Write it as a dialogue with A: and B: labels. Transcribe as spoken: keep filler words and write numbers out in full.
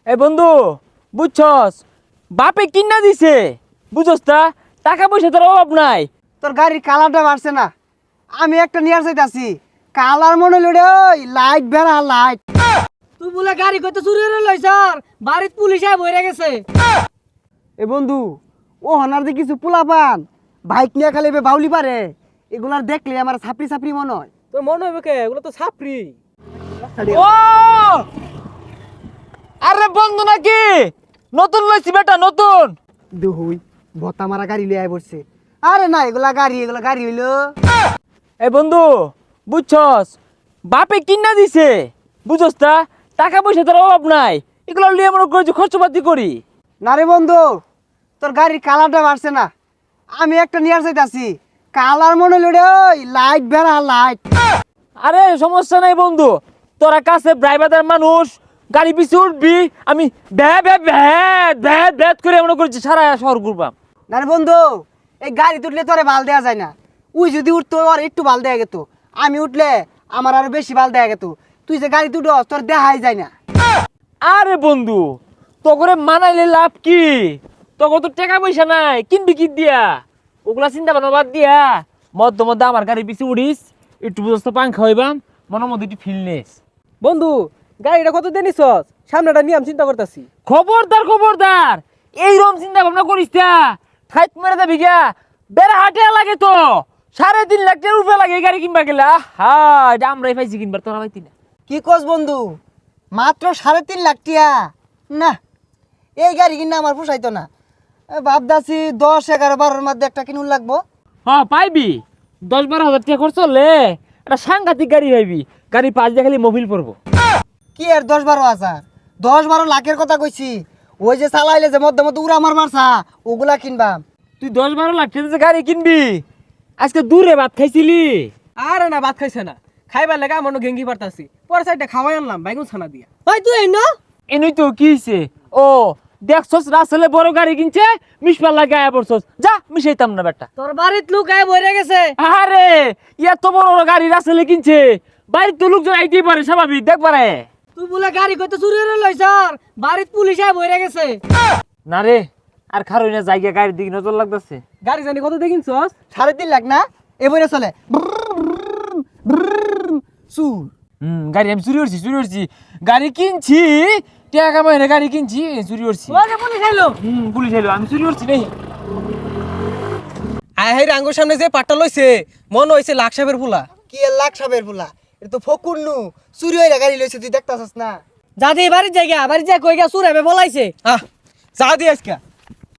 A: এই বন্ধু বুঝছস বাপে কিনা দিছে বুঝছস তা টাকা পয়সা তোর অভাব নাই।
B: তোর গাড়ির কালারটা বাড়ছে না, আমি একটা নিয়ে চাইতাছি কালার মনে লড়ে ওই লাইট বেড়া লাইট।
C: তুই বলে গাড়ি কইতে চুরি করে লই স্যার, বাড়িতে পুলিশ আয় বইরা গেছে।
B: এ বন্ধু ও হনার যে কিছু পোলা পান বাইক নিয়ে খালি এবার বাউলি পারে, এগুলার দেখলে আমার ছাপড়ি ছাপড়ি মনে হয়।
C: তোর মনে হবে কে, এগুলো তো ছাপরি।
A: ও আরে বন্ধু নাকি নতুন লইছি বেটা নতুন।
B: দুহুই ভত্তা মারা গাড়ি লিয়ে আয় পড়ছে। আরে না এগুলা গাড়ি, এগুলা গাড়ি হইলো।
A: এই বন্ধু বুঝছস বাপে কিনা দিছে বুঝছস তা টাকা পয়সা তোর অভাব নাই, এগুলো লিয়ে মনে করছি খরচপাতি করি।
B: না রে বন্ধু তোর গাড়ির কালারটা বাড়ছে না, আমি একটা নিয়ে চাইতাছি কালার মনে লড়ে ওই লাইট বেড়া লাইট।
A: আরে সমস্যা নাই বন্ধু, তোরা কাছে ড্রাইভারদের মানুষ গাড়ি পিছে উঠবি, আমি ভ্যা ভ্যা ভ্যাট ভ্যাট ভ্যাট করে মনে করছি সারা শহর ঘুরবাম।
B: না রে বন্ধু এই গাড়ি তুললে তোরে ভাল দেয়া যায় না, উই যদি উঠতো আর একটু ভাল দেয়া গেত, আমি উঠলে আমার আরো বেশি ভাল দেয়া গেত। তুই যে গাড়ি তুটো তোর দেখাই যায় না।
A: আরে বন্ধু তো করে মানাইলে লাভ কি, তোকে তো টাকা পয়সা নাই কিনবি কি দিয়া, ওগুলা চিন্তা ভাবনা বাদ দিয়া মধ্যে মধ্যে আমার গাড়ি পিছে উড়িস, একটু বুঝতে পাংখা হইবাম, মনের মধ্যে একটু ফিলনেস।
C: বন্ধু গাড়িটা কত দিয়ে নিছস? সামনেটা নিয়ে আমি চিন্তা করতেছি।
A: খবরদার খবরদার এইরকম চিন্তা ভাবনা করিস না, ঠাইট মেরে যাবি গা, বেড়া হাটে লাগে তো সাড়ে তিন লাখ টাকার উপরে লাগে এই গাড়ি কিনবা গেলে। আহা এটা আমরাই পাইছি কিনবার, তোরা পাইতি না।
B: কি কস বন্ধু মাত্র সাড়ে তিন লাখ টিয়া? না এই গাড়ি কিনা আমার পোষাইতো না, ভাবদাছি দশ এগারো বারোর মধ্যে একটা কিনুন লাগবো।
A: হ্যাঁ পাইবি, দশ বারো হাজার টাকা খরচ হলে একটা সাংঘাতিক গাড়ি পাইবি, গাড়ি পাঁচ দিয়ে খালি মোবিল পড়বো।
B: কি আর দশ বারো হাজার, দশ বারো লাখের কথা কইছি। ওই যে চালাইলে যে মধ্যে মধ্যে উড়া মার মারছা ওগুলা কিনবাম।
A: তুই দশ বারো লাখ টাকা যে গাড়ি কিনবি, আজকে দূরে ভাত খাইছিলি?
C: আরে না ভাত খাইছে না, খাইবার লাগা মনে গেঙ্গি পারতাছি, পরে সাইডটা খাওয়াই আনলাম বাইগুন ছানা দিয়া। ভাই তুই এই না
A: এনেই তো কি হয়েছে? ও দেখছস রাসেলে বড় গাড়ি কিনছে, মিশবার লাগে আয়া পড়ছস, যা মিশাইতাম না বেটা।
C: তোর বাড়িত লোক আয় বইরা গেছে।
A: আরে এত বড় বড় গাড়ি রাসেলে কিনছে, বাড়ির তো লোকজন আইতেই পারে, স্বাভাবিক দেখ পারে।
C: তুই বলে গাড়ি কইতে চুরি করে লই স্যার, বাড়িতে পুলিশ আয় বইরা গেছে।
A: না রে আর খারই না, জায়গা গাড়ির দিকে নজর লাগতেছে।
C: গাড়ি জানি কত দেখিনছস?
B: সাড়ে তিন লাখ না এবারে চলে চুর।
A: হুম গাড়ি আমি চুরি করছি চুরি করছি গাড়ি কিনছি, টাকা কামাই না গাড়ি কিনছি, চুরি করছি।
C: ওই যে পুলিশ আইলো।
A: হুম পুলিশ এলো, আমি চুরি করছি নেই।
C: আয় হাই রাঙ্গুর সামনে যে পাট্টা লইছে মনে হইছে লাখ সাহেবের ফুলা।
B: কি আর লাখ সাবের ফুলা, এটা তো ফকুন্নু চুরি হইরা গাড়ি লইছে, তুই দেখতাছস না?
C: যা দিয়ে বাড়ির জায়গা বাড়ির জায়গা কই গা চুর হবে বলাইছে।
B: আহ যা দিয়ে আজকে